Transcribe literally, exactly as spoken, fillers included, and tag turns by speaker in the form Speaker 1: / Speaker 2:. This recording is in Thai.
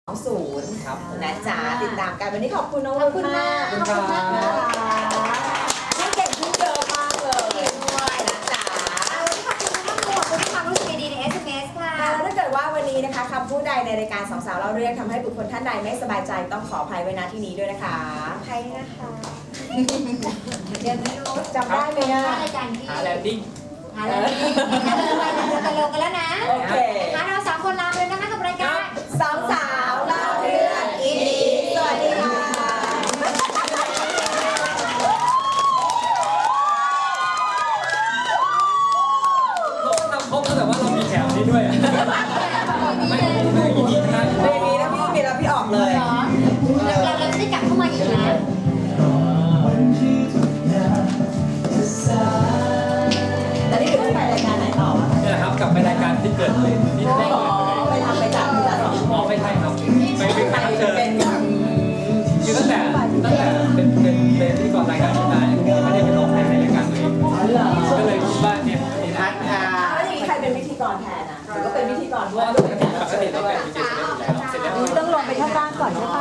Speaker 1: ศูนย์นะจ๊ะติดตามกันวันนี้ขอบคุณน้องคุณมากขอบคุณมากนะคะที่เก่งขึ้นเยอะมากเลยด้วยนะจ๊ะ
Speaker 2: วันนี้ขอบคุณมากๆขอบคุณความรู้สึกดีๆใน เอส เอ็ม เอส ค่ะ
Speaker 1: แล้วถ้าเกิดว่าวันนี้นะคะคำพูดใดในรายการสองสาวเล่าเรื่องทำให้บุคคลท่านใดไม่สบายใจต้องขออภัยไว้ณที่นี้ด้วยนะคะ
Speaker 2: ใครนะคะเดี๋ยวไม่รู้
Speaker 1: จำได้ไหมอ่ะ
Speaker 2: รายการที่
Speaker 3: หาแลนดิ้ง
Speaker 2: หาแลนดิ้งไปกันเร็วกันแล้วนะ
Speaker 1: โอเค
Speaker 2: งั้นเราสามคนลาไปเลยนะคะกับรายการ
Speaker 1: สองสาวเล่าเรื่องอินดีสวัสดีค่ะ
Speaker 3: เราก็ทำครบแล้วแต่ว่าเรามีแถวนี้ด้วยไม่ไม่อีกทีนะ
Speaker 1: เพลงนี้นะพี่มีแล้วพี่ออกเลย
Speaker 2: เหรอเราเราจะได้กลับเข้ามาอีกนะ
Speaker 1: แล้วนี่คือไปรายการไหนต่อ
Speaker 3: นี่แหละครับกลับไปรายการที่เกิดเลยที่แรกเลย
Speaker 1: ไปทำไปจัดที่ละสอง
Speaker 3: อ๋อไม่ใช่ครับไปเป็นแขกรับเชิญ
Speaker 1: เป็นแบบ
Speaker 3: คือตั้งแต่ตั้งแต่เป็นเป็นเป็นพิธีกรรายการนี้มาไม่ได้เป็นออกในรายการตัวเองก็เลยคิดว่าเนี่ยนี่นะ
Speaker 1: แล้วอย่างนี้ใครเป็นพิธีกรแทนอ่ะหรือก็เป็นพิธีกร
Speaker 3: เพ
Speaker 1: ด้ว
Speaker 3: ราะ
Speaker 1: ย
Speaker 3: ว่าปกติเราเป็นดีเจเสร็จแล้วอยู่แล้วเสร็จแล้ว
Speaker 4: ต้องลงไปข้างล่างก่อนใช่ปะ